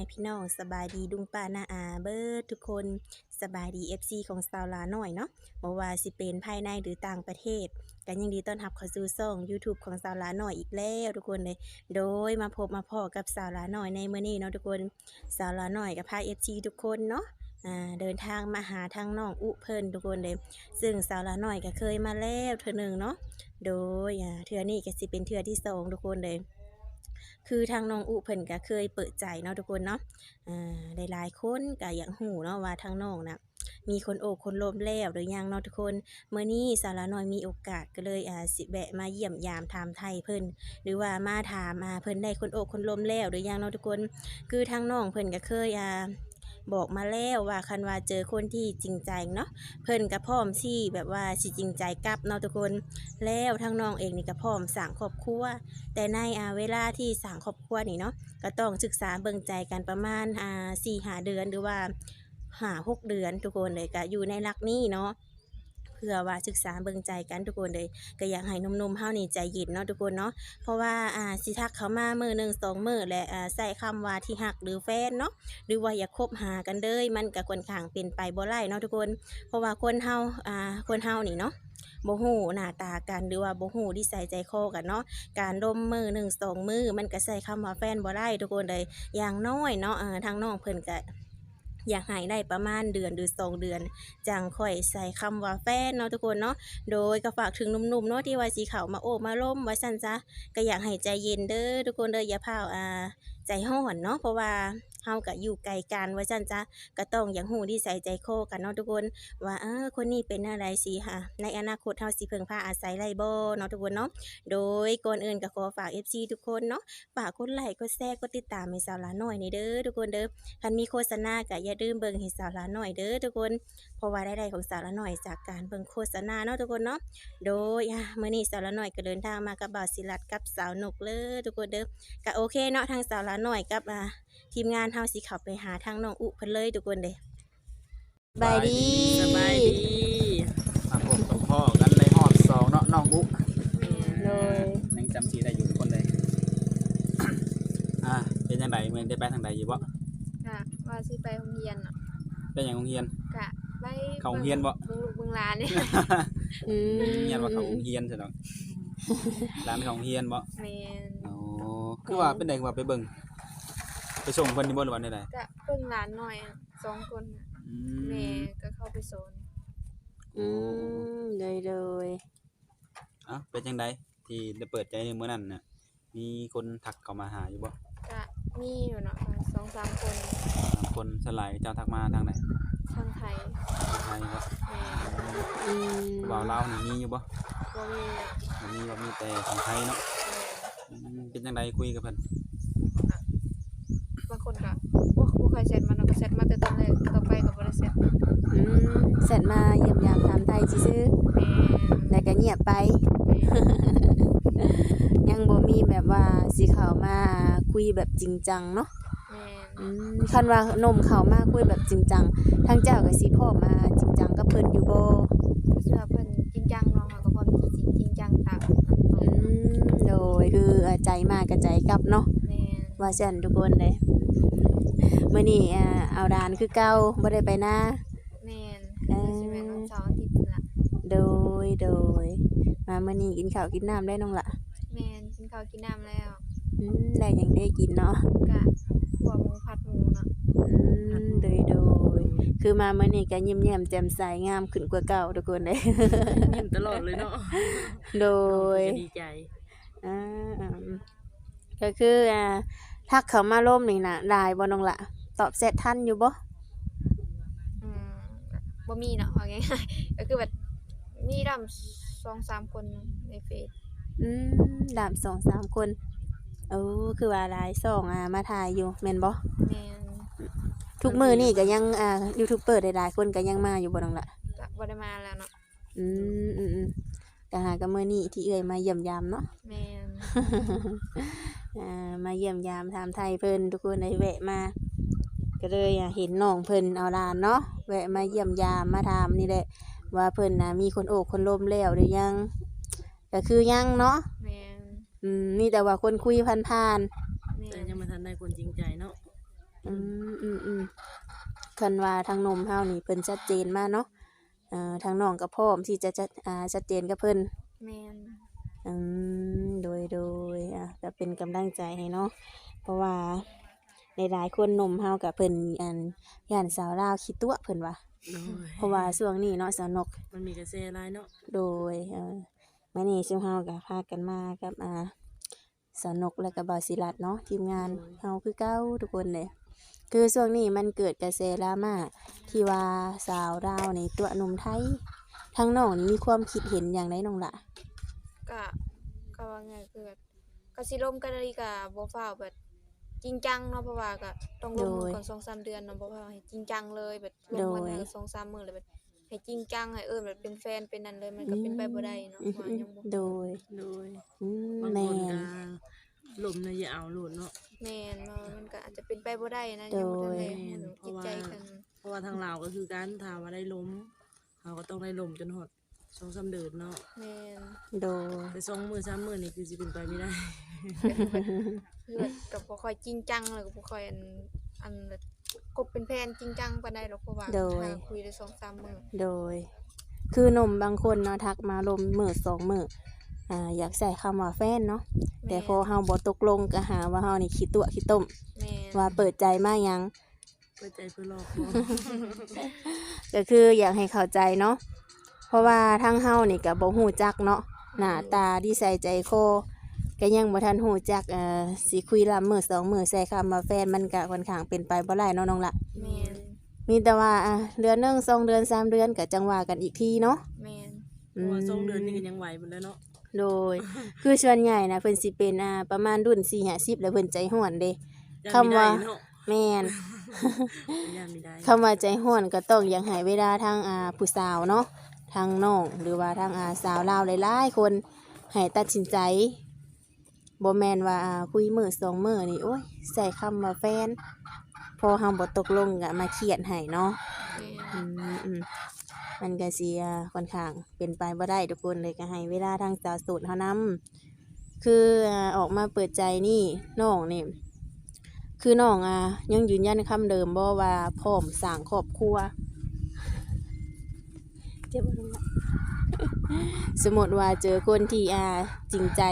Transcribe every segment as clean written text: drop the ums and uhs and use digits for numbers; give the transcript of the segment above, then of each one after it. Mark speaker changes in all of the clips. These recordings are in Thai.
Speaker 1: พี่น้องสบายดีลุงป้าน้าอาเบิดทุกคนสบายดี FC ของสาวลาน้อยเนาะบ่ว่าสิเป็นภายในหรือต่างประเทศกันยังดีต้อนรับเข้าสู่ช่อง YouTube ของสาวลาน้อยอีกแล้วทุกคนเลยโดยมาพบมาพ้อกับสาวลาน้อยในมื้อนี้เนาะทุกคนสาวลาน้อยกับพา FC ทุกคนเนาะเดินทางมาหาทางน้องอุเพิ่นทุกคนเลยซึ่งสาวลาน้อยก็เคยมาแล้วเทื่อหนึงเนาะโดยเทื่อนี้ก็สิเป็นเทื่อที่สองทุกคนเลยคือทางน้องอุเพิ่นก็เคยเปิดใจเนาะทุกคนเนาะ หลายๆคนก็อยากรู้เนาะว่าทางน้องน่ะมีคนโอบคนล้มแล้วหรือยังเนาะทุกคนมื้อนี้สาวละน้อยมีโอกาสก็เลยสิแวะมาเยี่ยมยามถามไถ่เพิ่นหรือว่ามาถามเพิ่นได้คนโอบคนล้มแล้วหรือยังเนาะทุกคนคือทางน้องเพิ่นก็เคยบอกมาแล้วว่าคันว่าเจอคนที่จริงใจเนาะเพิ่นก็พร้อมที่แบบว่าสิจริงใจกลับเนาะทุกคนแล้วทางน้องเองนี่ก็พร้อมสร้างครอบครัวแต่ในเวลาที่สร้างครอบครัวนี่เนาะ ก็ต้องศึกษาเบิ่งใจกันประมาณ4-5เดือนหรือว่า5-6เดือนทุกคนเลยก็อยู่ในหลักนี้เนาะเพื่อว่าศึกษาเบิ่งใจกันทุกคนเลยก็อยากให้หนุ่มๆเฮานี่ใจเย็นเนาะทุกคนเนาะเพราะว่าสิทักเขามามื้อหนึ่งสองมื้อและใช้คำว่าที่รักหรือแฟนเนาะหรือว่าอยากคบหากันเลยมันก็ค่อนข้างเป็นไปบ่ได้เนาะทุกคนเพราะว่าคนเฮานี่เนาะบ่ฮู้หน้าตากันหรือว่าบ่ฮู้นิสัยใจคอกันเนาะ การร่มมือหนึ่งสองมือมันก็ใช้คำว่าแฟนบ่ได้ทุกคนเลยอย่างน้อยเนาะทางน้องเพิ่นก็อยากให้ได้ประมาณเดือนหรือ2เดือนจังค่อยใส่คำว่าแฟนเนาะทุกคนเนาะโดยก็ฝากถึงหนุ่มๆเนาะที่ว่าสิเข้ามาโอบมาล้มว่าซั่นซะก็อยากให้ใจเย็นเด้อทุกคนเด้ออย่าพร้าวใจร้อนเนาะเพราะว่าเฮาก็อยู่ไกลกันว่าซั่นจ้ะก็ต้องอย่างรู้นิสัยใจคอกันเนาะทุกคนว่าคนนี้เป็นอะไรสิในอนาคตเฮาสิพึ่งพาอาศัยได้บ่เนาะทุกคนเนาะ โดยก่อนอื่นก็ขอฝาก FC ทุกคนเนาะฝากกดไลค์กดแชร์กดติดตามให้สาวหลาน้อยนี่เด้อทุกคนเด้อคันมีโฆษณาก็อย่าลืมเบิ่งให้สาวหลาน้อยเด้อทุกคนเพราะว่ารายได้ของสาวหลาน้อยจากการเบิ่งโฆษณาเนาะทุกคนเนาะโดยมื้อนี้สาวหลาน้อยก็เดินทางมากับบ่าวศิลัดกับสาวนกเลยทุกคนเด้อก็โอเคเนาะทางสาวหลาน้อยกับทีมงานเฮาสิเข้าไปหาทางน้องอุเพิ่นเลยทุกคนเด้สบายดี
Speaker 2: สบายดีมาพบกับพ่อกันในฮอดสองเนาะน้องอุ๊
Speaker 1: เลย
Speaker 2: ยังจำชื่อได้อยู่ทุกคนเลย เป็นยังไงเมืองได้ไปทางใดอยู่บ่
Speaker 3: กะว่าสิไปโรงเรียนเนาะ
Speaker 2: เป็นหยังโรงเรียน
Speaker 3: กะไป
Speaker 2: เข้าโรงเรียนบ่
Speaker 3: เบิ่งลูกเบิ่งหลานนี่
Speaker 2: เรียนว่าเข้าโรงเรียนใช่ดอกร้านเข้าโรงเรียนบ่
Speaker 3: แม่น
Speaker 2: อ๋อคือว่าเป็นไดว่าไปเบิ่งไปส่งเพิ่นนี่บ่หรือว่าใด
Speaker 3: กะเบิ่งหลานหน่อย2คนน่ะ
Speaker 2: ๆอื
Speaker 3: แม่
Speaker 2: ม
Speaker 3: ก็เข้าไปสอน
Speaker 1: เลย
Speaker 2: เป็นจังไดที่ได้เปิดใจในมื้อนั้นน่ะมีคนทักเข้ามาหาอยู่บ่
Speaker 3: กะมีอยู่เนาะ2-3 คน
Speaker 2: บางคนสลายเจ้าทักมาทางไหน
Speaker 3: ทางไทย
Speaker 2: ทางไทยครับ
Speaker 3: แม่น
Speaker 2: บ่าวลาวนี่มีอยู่บ่
Speaker 3: บ่มีอะ
Speaker 2: บ่มีแต่ทางไทยเนาะ
Speaker 3: แม่น
Speaker 2: เป็นจังไดคุยกับเพิ่น
Speaker 3: บางคนก็บ่ค่อยแชทมาเนาะก็แชทมาแต่ตอนแรกต่อไปก็บ่ได้แชท
Speaker 1: เสร็จมาเยี่ยมยามถามไทยซื่อ
Speaker 3: แม่น
Speaker 1: ๆแล้วก็เงียบไป
Speaker 3: แม่น
Speaker 1: ยังบ่มีแบบว่าสิเข้ามาคุยแบบจริงจังเนาะ
Speaker 3: แม่น
Speaker 1: คันว่าหนุ่มเข้ามาคุยแบบจริงจังทางเจ้าก็สิพร้อมมาจริงจังกับเพิ่นอยู่บ่
Speaker 3: เชื่อเพิ่นจริงจังเนาะเขาก็พร้อมที่จริงจังตาม
Speaker 1: โดยคือใจมากับใจกลับเนาะ
Speaker 3: แม่น
Speaker 1: ว่าซั่นทุกคนเด้มื้อนี้เอาดานคือเก่าบ่ได้ไปนา
Speaker 3: แม่นสิแม่นวันเสาร์อาทิตย์พุ่นล่ะ
Speaker 1: โดยมามื้อนี้กินข้าวกินน้ำได้น้องล่ะ
Speaker 3: แม่นกินข้าวกินน้ำแล้ว
Speaker 1: ได้หยังได้กินเนาะ
Speaker 3: กะขัวหมูผัดหมูเนาะ
Speaker 1: โดยคือมามื้อนี้ก็ยิ้มแย้มแจ่มใสงามขึ้นกว่าเก่าทุกคนเด้
Speaker 4: ยิ้มตลอดเลยเนาะ
Speaker 1: โดย
Speaker 4: ก็ดีใจ
Speaker 1: อ่าก็คือทักเขามาร่มนี่น่ะได้บ่น้องล่ะตอบแชททันอยู่บ่
Speaker 3: อืมบ่มีเนาะว่าง่ายๆ ก็คือแบบมีดำ2-3 คนในเฟซ
Speaker 1: ดาม2-3 คนคือว่าหลายช่องมาถ่ายอยู่แม่นบ่
Speaker 3: แม่น
Speaker 1: ทุกมื้อนี่ก็ยังยูทูบเบอร์หลายๆคนก็ยังมาอยู่บ่น้องล่ะ
Speaker 3: ก็บ่ได้มาแล้วเนาะ
Speaker 1: อืมก็หาก็มื้อนี้ที่เอื้อยมาเยี่ยมยามเนาะ
Speaker 3: แม่น
Speaker 1: มาเยี่ยมยามถามไทยเพิ่นทุกคนได้แวะมาก็เลยเห็นน้องเพิ่นเอาหลานเนาะแวะมาเยี่ยมยามมาถามนี่แหละว่าเพิ่นมีคนโอบคนล้มแล้วหรือยังก็คือยังเนาะ
Speaker 3: แม่น
Speaker 1: มีแต่ว่าคนคุยผ่าน
Speaker 3: แม่
Speaker 4: แต่
Speaker 3: น
Speaker 4: ยังไม่ทันได้คนจริงใจเนาะ
Speaker 1: อืมอืมอืมคันว่าทางนมเฮานี่เพิ่นชัดเจนมากเนาะทางน้องก็พร้อมที่จะชัดเจนกับเพิ่น
Speaker 3: แม่น
Speaker 1: อืโดยก็เป็นกำลังใจให้เนาะเพราะว่าหลายๆคนหนุ่มเฮากับเพิ่นอันย่านสาวลาวขี้ตัวเพิ่นว่า
Speaker 4: โดย
Speaker 1: เพราะว่าช่วงนี้เนาะสาวนก
Speaker 4: มันมีกระแสหลายเนาะ
Speaker 1: โดยมื้อนี้ซุมเฮาก็พากันมากับสาวนกและก็บ่าวศิรัตน์เนาะทีมงานเฮาคือเก่าทุกคนเลยคือช่วงนี้มันเกิดกระแสดราม่าที่ว่าสาวลาวนี่ตัวหนุ่มไทยทางน้องนี่มีความคิดเห็นอย่างไรน้องล่ะ
Speaker 3: ก็ก็ว่าไงคือแบบก็สิร่มกันอีกก็บ่ฟ้าวแบบจริงจังเนาะเพราะว่าก็ต้องร่วมมือก่อน 2-3 เดือนเนาะบ่ฟ้าวให้จริงจังเลยแบบร่วมกันให้2-3 มื้อเลยแบบให้จริงจังให้แบบเป็นแฟนเป็นนั่นเลยมันก็เป็นไปบ่ได้เนาะว่ายังบ่
Speaker 1: โดย
Speaker 4: โดย
Speaker 1: ม
Speaker 4: บาง
Speaker 1: แม่
Speaker 4: คน
Speaker 1: น
Speaker 4: ก็ลมน่ะอย่าเอาโลดเนาะ
Speaker 3: แม่นว่ามันก็อาจจะเป็นไปบ่ได้นะยังบ่ทันได้รู้จิตใจกัน
Speaker 4: เพราะว่าทางลาวก็คือการถามว่าได้ล้มเขาก็ต้องได้ล้มจนฮอด2-3 เดือนเนาะ
Speaker 3: แม่น
Speaker 1: โดย
Speaker 4: แต่2 มื้อ 3 มื้อนี่คือสิเป็นไปไม่ได้
Speaker 3: คือแบบก็บ่ค่อยจริงจังเลยก็บ่ค่อยอันแบบคบเป็นแฟนจริงจังปานใดหรอกเพราะว่าหาคุยได้ 2-3 มื้อ
Speaker 1: โดย คือหนุ่มบางคนเนาะทักมาลมมื้อ2 มื้ออยากใส่คำว่าแฟนเนาะแต่พอเฮาบ่ตกลงก็หาว่าเฮานี่ขี้ตัวขี้ต้ม
Speaker 3: แม่น
Speaker 1: ว่าเปิดใจมาหยัง
Speaker 4: เปิดใจเพื่อหลอกเนาะ
Speaker 1: ก็คืออยากให้เข้าใจเนาะเพราะว่าทางเฮานี่ก็บ่ฮู้จักเนาะหน้าตาดีใส่ใจคอก็ยังบ่ทันฮู้จักสิคุยลำมื้อ2 มื้อใส่คำว่าแฟนมันก็ค่อนข้างเป็นไปบ่ได้เนาะน้องละ
Speaker 3: แม่น
Speaker 1: มีแต่ว่าเดือนหนึง2 เดือน 3 เดือนก็จังว่ากันอีกทีเนาะ
Speaker 3: แม่น
Speaker 4: เพราะว่า2 เดือนนี่ก็ยังไหวหมดแล้วเนาะ
Speaker 1: โดย คือส่วนใหญ่นะเพิ่นสิเป็นประมาณรุ่น4-50แล้วเพิ่นใจร้อนเด้
Speaker 4: ยัง
Speaker 1: คำ
Speaker 4: ไม่
Speaker 1: ว่า
Speaker 4: ได้เนาะ
Speaker 1: แม่น
Speaker 4: ยังไม่ได้
Speaker 1: คำว่าใจร้อนก็ต้องอยากให้เวลาทางผู้สาวเนาะทางน้องหรือว่าทางสาวลาวหลายๆคนให้ตัดสินใจบ่แม่นว่าคุยมื้อ2 มื้อนี่โอ้ยใส่คำว่าแฟนพอเฮาบ่ตกลงก็มาเครียดให้เนาะ
Speaker 3: แม่น
Speaker 1: อืมมันก็สิค่อนข้างเป็นไปบ่ได้ทุกคนเลยก็ให้เวลาทางสาวโสดเฮานำคือออกมาเปิดใจนี่น้องนี่คือน้องยังยืนยันคำเดิมบ่ว่าพร้อมสร้างครอบครัวเจ็บบ่ลงละ สมมติว่าเจอคนที่จริงใจ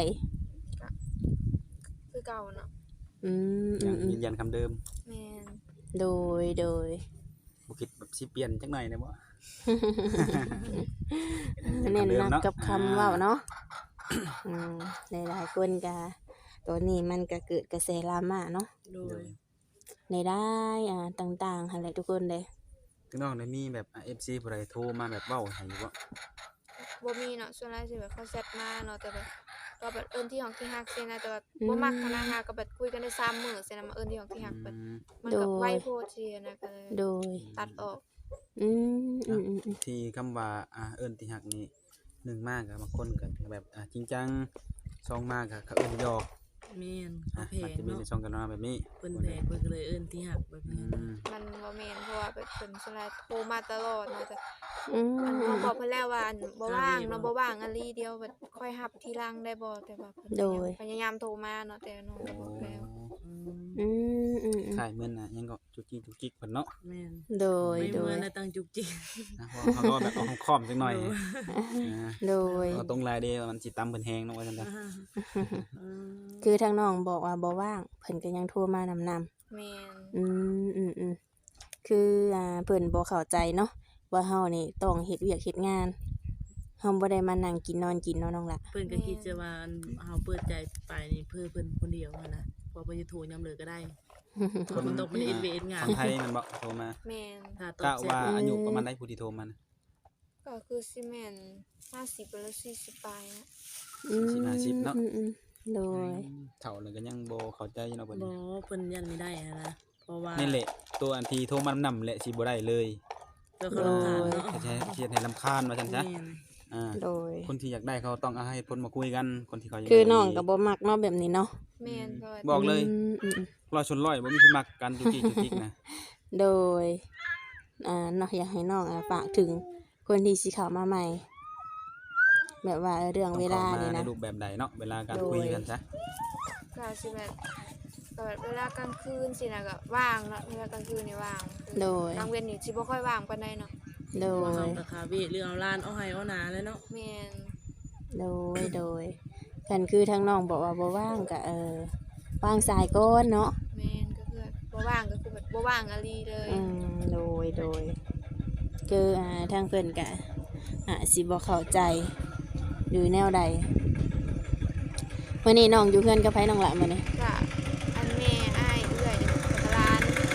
Speaker 3: คือเก่าเนาะ
Speaker 1: อืม
Speaker 2: ยังยืนยันคำเดิม
Speaker 3: แม่น
Speaker 1: โดย
Speaker 2: บ่คิดแบบสิเปลี่ยนจักหน่อยได้บ่
Speaker 1: เน้น
Speaker 2: คำดิ
Speaker 1: ห
Speaker 2: ม
Speaker 1: นัก
Speaker 2: เนาะ
Speaker 1: กับคำเว้าเนาะหลายๆคนก็ตัวนี้มันก็เกิดกระแสดราม่าเนาะ
Speaker 4: โดย
Speaker 1: ในได้ต่างๆหั่นแหละทุกคนเลย
Speaker 2: ถึงน้องได้มีแบบ FC ผู้ใดโทรมาแบบเว้าให้อยู่บ่
Speaker 3: บ่มีเนาะส่วนหลายสิแบบเขาแชทมาเนาะแต่แบบก็แบบเอิ้นที่ห้องที่ฮักซี่นะแต่ว่าบ่มักขนาดฮักก็แบบคุยกันได้3 มื้อซี่นะมาเอิ้นที่ห้องที่ฮักแบบ
Speaker 2: อืม
Speaker 3: มันก็ไวโพดซี่นะก็เลย
Speaker 1: โดย
Speaker 3: ตัดออก
Speaker 2: ที่คำว่าเอิ้นที่ฮักนี่1มากก็บางคนก็แบบจริงจัง2มากก็เขาเอิ้นหยอก
Speaker 4: แม่น
Speaker 2: มั
Speaker 4: เขา
Speaker 2: น
Speaker 4: แพง
Speaker 2: จะมี
Speaker 4: เนาะ
Speaker 2: ในช่องกันเนาะแบบนี้
Speaker 4: เพิ่นแพงเพิ่นก็เลยเอิ้นที่หักแบบ
Speaker 2: อื
Speaker 4: นี้
Speaker 2: ม
Speaker 3: มันบ่แม่นเพราะว่าแบบเพิ่นส่วนหลายโทรมาตลอดเนาะแต่
Speaker 1: อืม
Speaker 3: เขาบอกเพิ่นแล้วว่าบ่ว่างเนาะบ่ว่างอันลีเดียวแบบค่อยรับทีหลังได้บ่แต่ว่าเพิ่นพยายามโทรมาเนาะแต่น้องก็บอกแล้ว
Speaker 4: อืม
Speaker 2: ขายเหมือนยังก็จุกจิกจุกจิกเพิ่นเนาะ
Speaker 4: แม่น
Speaker 1: โดย
Speaker 4: ไม่
Speaker 1: โด
Speaker 4: เหมือย นนะตั้งจุกจิก
Speaker 2: นะเพราะเขาก็แบบเอาค้อมจักหน่อย
Speaker 1: โดย
Speaker 2: เอาตรงลายเด้มันสิตำเพิ่นแฮงเนาะว่าซั่นจ้ะ
Speaker 4: อืม
Speaker 1: คือทางน้องบอกว่าบ่ว่างเพิ่นก็ยังโทรมานำ
Speaker 3: แม่น
Speaker 1: คือเพิ่นบ่เข้าใจเนาะว่าเฮานี่ต้องเฮ็ดเวียกเฮ็ดงานเฮาบ่ได้มานั่งกินนอนกินเนาะน้องละ
Speaker 4: เพิ่นก็คิดจะว่าเฮาเปิดใจไปนี่เพื่อเพิ่นคนเดียวหั้นนะพอเพิ่นจะโทรยามเลิกก็ได้คนตกมันเอ็นเวงาน
Speaker 2: คนไทยมันบ่โทรมา
Speaker 3: แม่น
Speaker 4: ถ้าต
Speaker 2: กะ
Speaker 4: ก
Speaker 2: ว่าอายุประมาณใดผู้ที่โทรมานะ
Speaker 3: ก็คือสิแม่น50หรือ40ปลายนะ
Speaker 2: 40 เนาะ
Speaker 1: โดย
Speaker 2: เฒ่าแล้วก็ยังบ่เข้าใจอยู่เนาะเพิ่น
Speaker 4: บ่เพิ่นยันไม่ได้นะเพราะว่า
Speaker 2: นี่แหละตัวอันที่โทรมานำแหละสิบ่ได้เลย
Speaker 4: ตัวเขารำคาญเนาะ
Speaker 2: แท้ๆเฮ็ดให้รำคาญว่าซั่นซะ
Speaker 4: แม่น
Speaker 1: โดย
Speaker 2: คนที่อยากได้เขาต้องเอาให้เพิ่นมาคุยกันคนที่เขาอยาก
Speaker 1: คือ
Speaker 2: ได้
Speaker 1: น้องก็บ่มักเนาะแบบนี้เนาะ
Speaker 3: แม่นเพราะว่า
Speaker 2: บอกเลย
Speaker 1: อืม
Speaker 2: ร้อยชนร้อยบ่มีที่มักกันจุกจิกจุกจิกนะ
Speaker 1: โดยเนาะอยากให้น้องฝากถึงคนที่สิเข้ามาใหม่ แบบว่าเรื่องเวลา
Speaker 2: ต้อง
Speaker 1: นี่
Speaker 2: เข้ามา
Speaker 1: นะ
Speaker 2: ในรูปแบบใดเนาะเวลาการ
Speaker 1: โดย
Speaker 2: คุยกันซะ
Speaker 3: ก็สิแบบก็แบบเวลากลางคืนสินะก็ว่างเนาะเวลากลางคืนนี่ว่าง
Speaker 1: โดย
Speaker 3: กลางเว้นนี่สิบ่ค่อยว่างปานใดเนาะ
Speaker 1: โด
Speaker 4: ว่าย เฮาก็คาเวะเรื่องเอาล้านเอาให้เอาหนาเลยเนาะ
Speaker 3: แม่น
Speaker 1: โดยกันคือทางน้องบอกว่าบ่ว่างก็ว่างสายก้อนเนาะ
Speaker 3: แม่นก็คือบ่ว่างก็คือแบบบ่ว่างอะลีเลย
Speaker 1: โดยคือทางเพิ่นก็สิบ่เข้าใจหรือแนวใดมื้อนี้น้องอยู่เพื่อนกับไผน้องละมื้อนี้
Speaker 3: ก็อันแม่อ้ายเอื้อยกับหลาน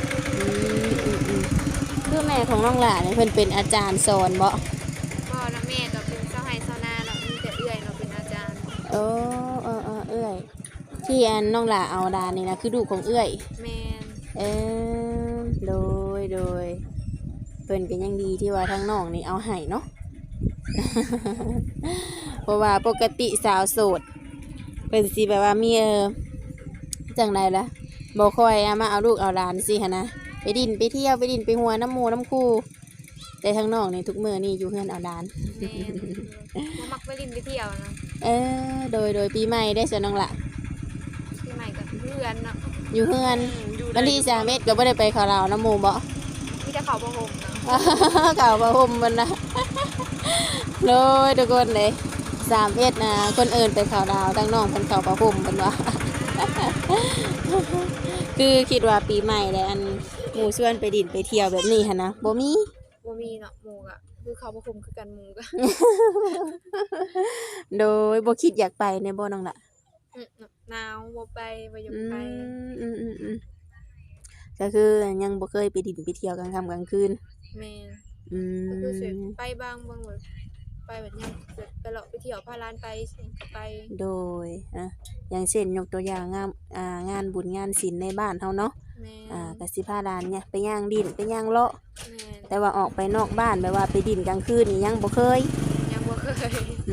Speaker 1: คือแม่ของน้องละนี่เพิ่นเป็นอาจารย์สอนบ่
Speaker 3: พ่อและแม่ก็เป็นเจ้าไร่ชาวนาเนาะมีแต่เอื้อยเนาะเป็นอาจารย์
Speaker 1: เอื้อยที่อันน้องละเอาดานนี่นะคือลูกของเอื้อย
Speaker 3: แม่น
Speaker 1: โดยเพิ่นก็ยังดีที่ว่าทางน้องนี่เอาให้เนาะ เพราะว่าปกติสาวโสดเพิ่นสิแบบว่ามีจังไดล่ะบ่ค่อยมาเอาลูกเอาหลานสิหั่นนะไปดินไปเที่ยวไปดินไปหัวน้ำหมู่น้ำคู่แต่ทางน้องนี่ทุกมื้อนี่อยู่เฮือนเอาหลาน
Speaker 3: แม่นบ่มักไปลินไปเที่ยวเนาะ
Speaker 1: โดยปีใหม่ได้ซะน้องละ
Speaker 3: ที่ใหม่ก็เพื่อนเนาะ
Speaker 1: อยู่เฮือน
Speaker 4: อยู่
Speaker 1: วันที่31ก็บ่ได้ไปเขาลาวน้ำหมู่บ่
Speaker 3: มีแต่เขาบ่ห่มเนาะ
Speaker 1: เก่าประหุมมันนะโดยทุกคนเลย31นะคนอื่นไปเขาดาวทั้งน้องเพิ่นเขาประหุมเพิ่นว่า คือคิดว่าปีใหม่แล้วอันหมู่ชวนไปดินไปเที่ยวแบบนี้หั่นนะบ่มี
Speaker 3: บ่มีเนาะหมู่ก็คือเขาบ่ห่มคือกันหมู่ก็
Speaker 1: โดยบ่คิดอยากไปในบ่น้องล่ะ
Speaker 3: หนาวบ่ไปบ่อยากไป
Speaker 1: อืมก็คือยังบ่เคยไปดินไปเที่ยวกลางค่ำกลางคืน
Speaker 3: แม่น
Speaker 1: อื
Speaker 3: ก็คือสิ
Speaker 1: ม
Speaker 3: ไปบางแบบไปแบบยังแบบไปเลาะไปเที่ยวพาหลานไปสิก็ไป
Speaker 1: โดยอย่างเช่นยกตัวอย่างงานบุญงานศิลป์ในบ้านเฮาเนาะ
Speaker 3: แม่น
Speaker 1: ก็สิพาหลานเนี่ยไปย่างดินไปย่างเลาะ
Speaker 3: แม่น
Speaker 1: แต่ว่าออกไปนอกบ้านแบบว่าไปดินกลางคืนนี่ยังบ่เคย
Speaker 3: ยังบ่เคย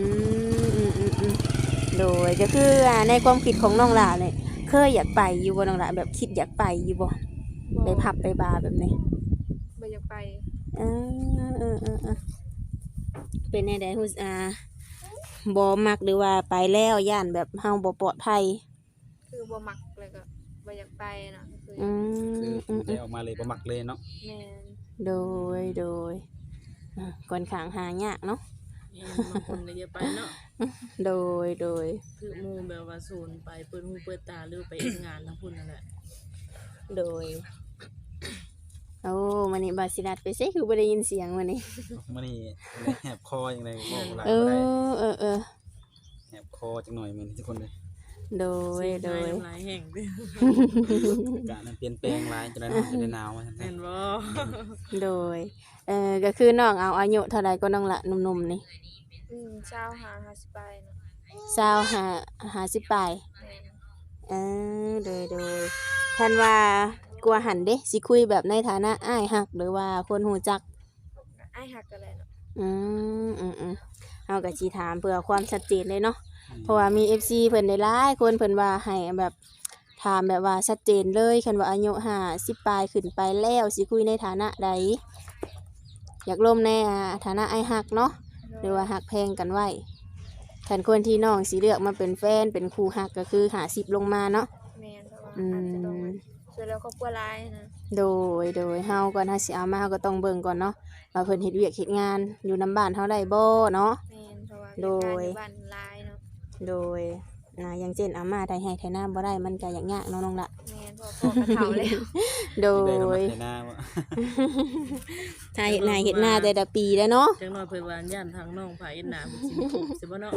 Speaker 1: โดยก็คือในความคิดของน้องหลาเนี่ยเคยอยากไปอยู่บ่น้องหลาแบบคิดอยากไปอยู่บ่ไปผับไปบาร์แบบนี้
Speaker 3: บ่อยากไป
Speaker 1: เออเป็นแนวใดฮู้บ่มักหรือว่าไปแล้วย่านแบบเฮาบ่ปลอดภัย
Speaker 3: คือบ่มักเลยก็บ่อยากไปเนาะคือ
Speaker 2: คือได้ออกมาเลยบ่มักเลยเนาะ
Speaker 3: แม่น
Speaker 1: โดยก่อนข้างหายากเนาะ
Speaker 4: แม่นบางคนก็อย่าไปเนาะ
Speaker 1: โดย
Speaker 4: คือหมู่แบบว่าศูนย์ไปเปิดหูเปิดตาหรือไปเฮ็ดงานทั้งพุ่นนั่นแหละ
Speaker 1: โดยโอ้มันนี่บาสิรัดไปใช่คือบ่ได้ยินเสียงมันนี่
Speaker 2: มื้อนี้แหบคอจังได๋บ่หลาย
Speaker 1: เอ
Speaker 2: บ่ได้
Speaker 1: อ
Speaker 2: แหบคอจังหน่อยมื้อนี้ทุกคนเลย
Speaker 1: โดย
Speaker 4: น้ำลายแห้งเด้อ
Speaker 2: อากาศมันเปลี่ยนแปลงหลายจะได้เนาะจะได้หนาวว่าซั่น
Speaker 4: แม่นบ่
Speaker 1: โดยก็คือน้องเอาอายุเท่าไรก็น้องละหนุ่มๆนี่
Speaker 3: เช้าหา50ไปเนาะ
Speaker 1: 50ปลาย
Speaker 3: แม่น
Speaker 1: โดยท่านว่ากลัวหันเด้สิคุยแบบในฐานะอ้ายฮักหรือว่าคนหูจัก
Speaker 3: อ้ายฮักกันเลยเนาะ
Speaker 1: เฮาก็สิถามเพื่อความชัดเจนเลยเนาะเพราะว่ามี FC เพิ่นได้หลายคนเพิ่นว่าให้แบบถามแบบว่าชัดเจนเลยคันว่าอายุ50ปลายขึ้นไปแล้วสิคุยในฐานะใดอยากร่วมในฐานะอ้ายฮักเนาะหรือว่าฮักแพงกันไว้คันคนที่น้องสิเลือกมาเป็นแฟนเป็นคู่ฮักก็คือ50ลงมาเนาะ
Speaker 3: แม่นเพราะว่าอาจจะต้องช่วยเหลือครอบครัวหลายนะ
Speaker 1: โดยเฮาก่อนเฮาสิเอามาเฮาก็ต้องเบิ่งก่อนเนาะว่าเพิ่นเฮ็ดเวียกเฮ็ดงานอยู่นํบ้านเฮาได้บ่เนาะ
Speaker 3: แม่นเพราะว่า
Speaker 1: โดย
Speaker 3: เฮ็ดงานอยู่บ้านหลายเนาะ
Speaker 1: โดยอย่างเช่นอาม่าไทยให้ไทยน้าบ่ได้มันก็ยากๆเนาะน้องละ
Speaker 3: แม่นเพราะพ่อกระเฒ่าแล้ว
Speaker 1: โด
Speaker 2: ได้เข้ามา
Speaker 1: ย
Speaker 2: ในหน้าว่า
Speaker 1: ถ้าเฮ็ดนาเฮ็ดนาแต่ละปีแล้วเนาะ
Speaker 4: จังน้อยเพิ่นว่าย่านทางน้องผาเอ็นหน้าเพิ่นสิมีทุกข์สิบ่เนาะ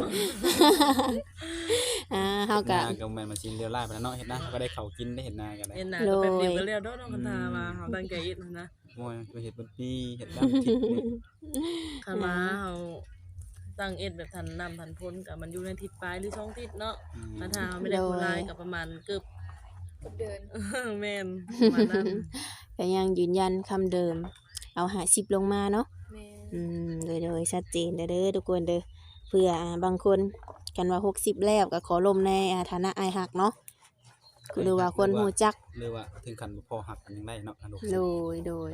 Speaker 1: เฮาก็
Speaker 2: หน้าก็แม่นมาชินเรียวไล่ไปแล้วเนาะเฮ็ดหน้าก็ได้ข้าวกินได้เฮ็ดหน้ากันได้
Speaker 4: เอ็นหน้าก็แป๊บเดียวก็แล้วเนาะน้องกันทาว่าเฮาตั้งใจเอ็ดนะ
Speaker 2: โอ้ยไปเฮ็ดเป็นปีเฮ็ดดำทิศนี่
Speaker 4: คันว่าเฮาตั้งเอ็ดแบบทันน้ำทันพ้นก็มันอยู่ในทิศปลายหรือ2ทิศเนาะคันถ้าเฮาไม่ได้ผู้ร้ายก็ประมาณเกือบ
Speaker 3: กับเดิน
Speaker 4: แม่นประมาณนั้น
Speaker 1: ก็ยังยืนยันคำเดิมเอา50ลงมาเนาะ
Speaker 3: แม่น
Speaker 1: โดยชัดเจนเด้อทุกคนเด้อเพื่อบางคนกันว่า60แล้วก็ขอลมในฐานะอ้ายฮักเนาะหรือว่าคนฮู้จัก
Speaker 2: หรือว่าถึงขั้นบ่พอหักกันยังได้เนาะอันลูก
Speaker 1: โดย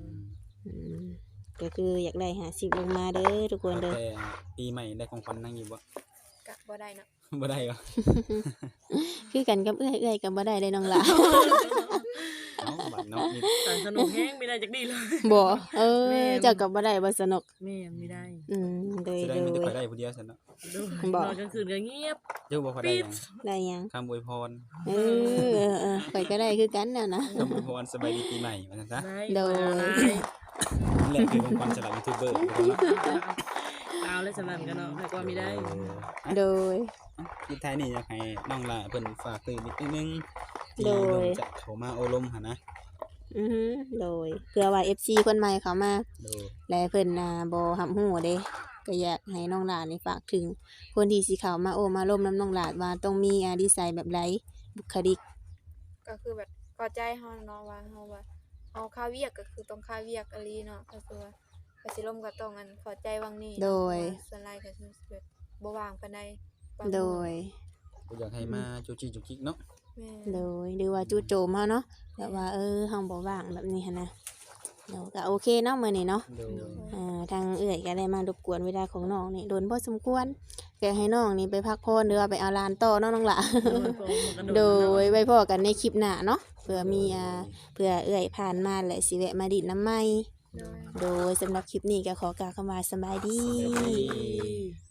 Speaker 1: ก็คืออยากได้50ลงมาเด้อทุกคนเด้อ
Speaker 2: แต่ปีใหม่ได้ของขวัญนั่งอยู่บ่
Speaker 3: กะบ่ได้เนาะ
Speaker 2: บ่ได้เหรอ
Speaker 1: คือกันกับเอื้อยก็บ่ได้เลยน้องหลา
Speaker 2: เอ้าบัดเนาะนี่
Speaker 4: สนุกแฮงไม่ได้จักดีเลย
Speaker 1: บ่
Speaker 4: แม่น
Speaker 1: เจ้าก็บ่ได้บ่สนุก
Speaker 4: แม่นไม่ได้
Speaker 1: โดย
Speaker 2: แสด
Speaker 1: โด
Speaker 2: งมีแต่
Speaker 1: ย
Speaker 2: ข่อยได้ผู้เดียวซั่นเนาะ
Speaker 4: ดู
Speaker 1: บอก
Speaker 4: นอนกลางคืนก็เงียบ
Speaker 2: เจ้าบ่ข่อยได้หยัง
Speaker 1: ได้หยัง
Speaker 2: คำอวยพร
Speaker 1: ข่อยก็ได้คือกันน่ะนะ
Speaker 2: คำอวยพรสบายดีปีใหม่ว่าซั่นซะ
Speaker 4: ได้
Speaker 1: โดย
Speaker 2: นั่นแหละคือของขวัญสำหรับยูทูบเบอร์ทุกคนเนาะ
Speaker 4: เอาเลยสำนันกันเนาะแต่ก็ไม่ได้
Speaker 1: โดย
Speaker 2: สุดท้ายนี่อยากให้น้องล่ะเพิ่นฝากตื่นนิดนึงที่
Speaker 1: โด
Speaker 2: น้อง
Speaker 1: ย
Speaker 2: จะเข้ามาอบรมหั่นนะ
Speaker 1: โดยเพื่อว่า FC คนใหม่เขามา
Speaker 2: โดย
Speaker 1: และเพิ่นบ่รับรู้เด้ก็อยากให้น้องหลานนี่ฝากถึงคนที่สิเข้ามาโอ้มาร่วมน้ำน้องหลานว่าต้องมีนิสัยแบบใดบุคลิก
Speaker 3: ก็คือแบบเข้าใจเฮาเนาะว่าเฮาว่าเฮาค่าเวียกก็คือต้องค่าเวียกอะลีเนาะก็คือว่าก็สิล่มก็ต้องเข้าใจวังนี้เนาะ
Speaker 1: โดย
Speaker 3: ว่าส่วนหลายก็คือแบบบ่ว่างปานใดบาง
Speaker 1: โด
Speaker 3: มื้อย
Speaker 2: ก็อยากให้มาจุจิจุกจิกเนาะ
Speaker 3: แม่
Speaker 1: โดยหรือว่าจู่โจมเฮาเนาะแบบว่าเฮาบ่ว่างแบบนี้หันนะเดี๋ยวก็โอเคเนาะมื้อนี้เนาะ
Speaker 2: โดย
Speaker 1: ทางเอื้อยก็ได้มารบกวนเวลาของน้องนี่โดนพอสมควรก็ให้น้องนี่ไปพักผ่อนหรือว่าไปเอาหลานต่อเนาะน้องหล่ะ โดยไว้พอกันในคลิปหน้าเนาะเผื่อมีเผื่อเอื้อยผ่านมาและสิแวะมาดิดน้ำไหม
Speaker 3: โดย
Speaker 1: โดยสำหรับคลิปนี้ก็ขอกล่าวคำว่าสบายดี
Speaker 2: สบายดี